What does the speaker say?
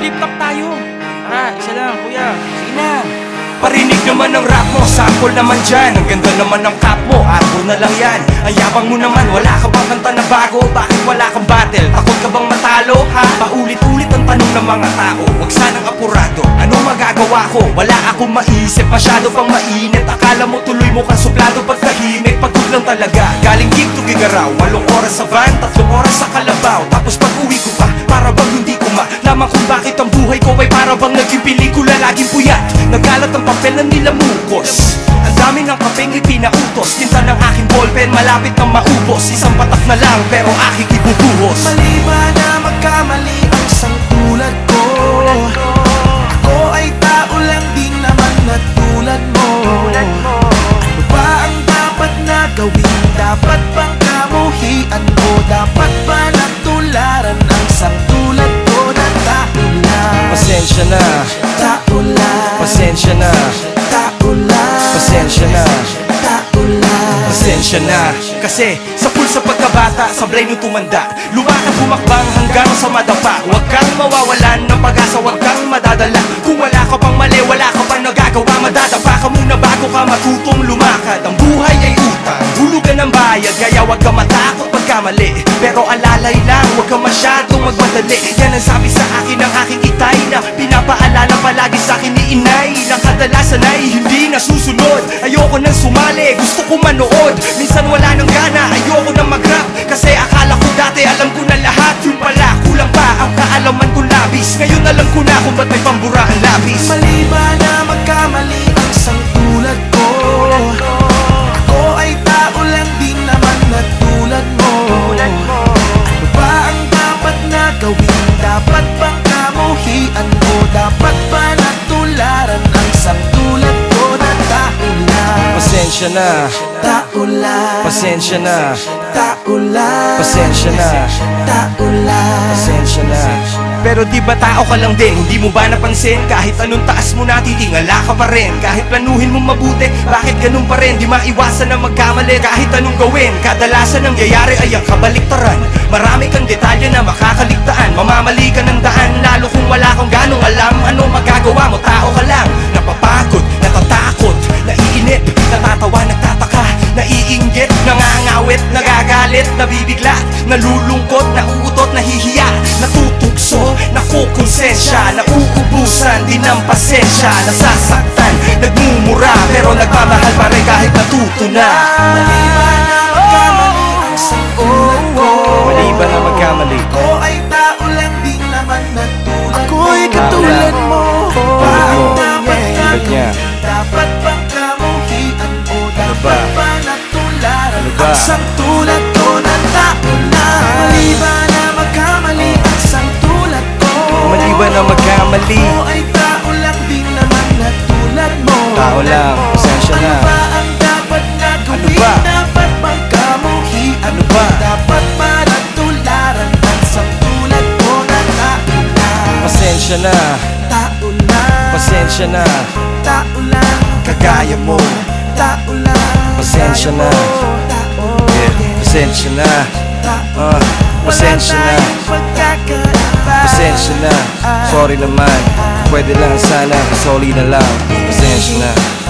flip-flop tayo. Tara, isa lang, kuya. Sige na. Parinig naman ng rap mo, sample naman dyan. Ang ganda naman ng cap mo, arbor na lang yan. Ang yabang mo naman, wala ka bang kanta na bago? Bakit wala kang battle? Takot ka bang matalo? Ha? Paulit-ulit ang tanong ng mga tao. Huwag sanang apurado, ano magagawa ko? Wala akong maisip, masyado pang mainit. Akala mo tuloy mo kang suplado pag tahimik. Pagod lang talaga, galing gig to gigaraw. 8 oras sa van, 3 oras sa kalabaw. Tapos pag uwi ko pa, para bang hindi ko malaman kung bakit ang buhay ko ay para bang naging pelikula. Laging puyat, nagkalat ang papel na nilamukos. Ang dami ng kapeng ipinautos. Tinta ng aking ballpen, malapit nang maubos. Isang patak na lang, pero aking ibubuhos. Mali ba na magkamali ang sangtulad ko? Ako ay tao lang din naman na tulad mo. Ano ba ang dapat na gawin? Dapat bang kamuhian mo? Dapat ba natularan ang sangtulad ko na tao lang? Pasensya na, Tao lang. pasensya na, Tao lang. pasensya na, Tao lang. pasensya na. Kasi sa pulsa pagkabata, sablay nung tumanda, lumakad humakbang hanggang sa madapa. Huwag kang mawawalan ng pag-asa, huwag kang madadala. Kung wala ka pang mali, wala ka pang nagagawa, madadapa ka muna bago ka matutong lumakad. Ang buhay ay utang, hulugan ng bayad, kaya huwag ka matakot pagkamali. Pero alalay lang, huwag ka masyadong magmadali. Yan ang sabi sa akin ng aking itay, na pinapaalala palagi sa akin ni inay, na kadalasan ay hindi nasusunod. Ayoko nang sumali, gusto ko manood. Minsan wala nang gana, ayoko nang mag-rap, kasi akala ko dati alam ko na lahat. Yun pala, kulang pa ang kaalaman ko labis. Ngayon alam ko na kung ba't may pambura ang labis. Mali ba na magkamali ang sangtulad ko? Ako ay tao lang din naman na tulad mo. Ano ba ang dapat na gawin? Dapat bang kamuhian mo? Dapat ba natularan ang sangtulad ko na tao lang? Pasensya na, Tao lang. pasensya na, Tao lang. pasensya na, Tao lang. pasensya na. Pero di ba tao ka lang din? Hindi mo ba napansin? Kahit anong taas mo natitingala ka pa rin. Kahit planuhin mo mabuti, bakit ganun pa rin? Di maiwasan na magkamali kahit anong gawin. Kadalasan ang nangyayari ay ang kabaliktaran. Marami kang detalye na makakaligtaan. Mamamali ka ng daan, lalo kung wala kang ganong alam. Ano magagawa mo? Tao ka lang. Napapagod, natatakot, naiinip, natatawa, nagtataka, naiinggit, nangangawit, nagagalit, nabibigla, nalulungkot, nauutot, nahihiya, natutugso, nakukonsensya, nauubusan din ng pasensya, nasasaktan, nagmumura, pero nagmamahal pa rin kahit natuto na. Mali ba na magkamali ang sangtulad ko? Mali ba na magkamali? Ako ay tao lang din naman na tulad mo. Ako'y katulad mo. Ba ang dapat Tulad niya. gawin? Dapat bang kamuhian mo? Dapat ba? ba natularan Ano ba? ang sangtulad ko na tao lang? Mali ba na magkamali ang sangtulad ko? Mali ba na magkamali? Ako ay tao lang din naman na tulad mo. Tao lang, pasensya na. Ano ba ang dapat na gawin? ba? Dapat bang kamuhian Ano ba? Dapat ba natularan ang sangtulad ko na tao lang? Pasensya na, Tao lang. pasensya na, Tao lang. kagaya mo. Tao lang. Pasensya na. Tao. Pasensya na, Tao. pasensya na, Wala tayong pagkakaiba. pasensya na. Sorry naman, pwede lang sana, sorry na lang. Pasensya na.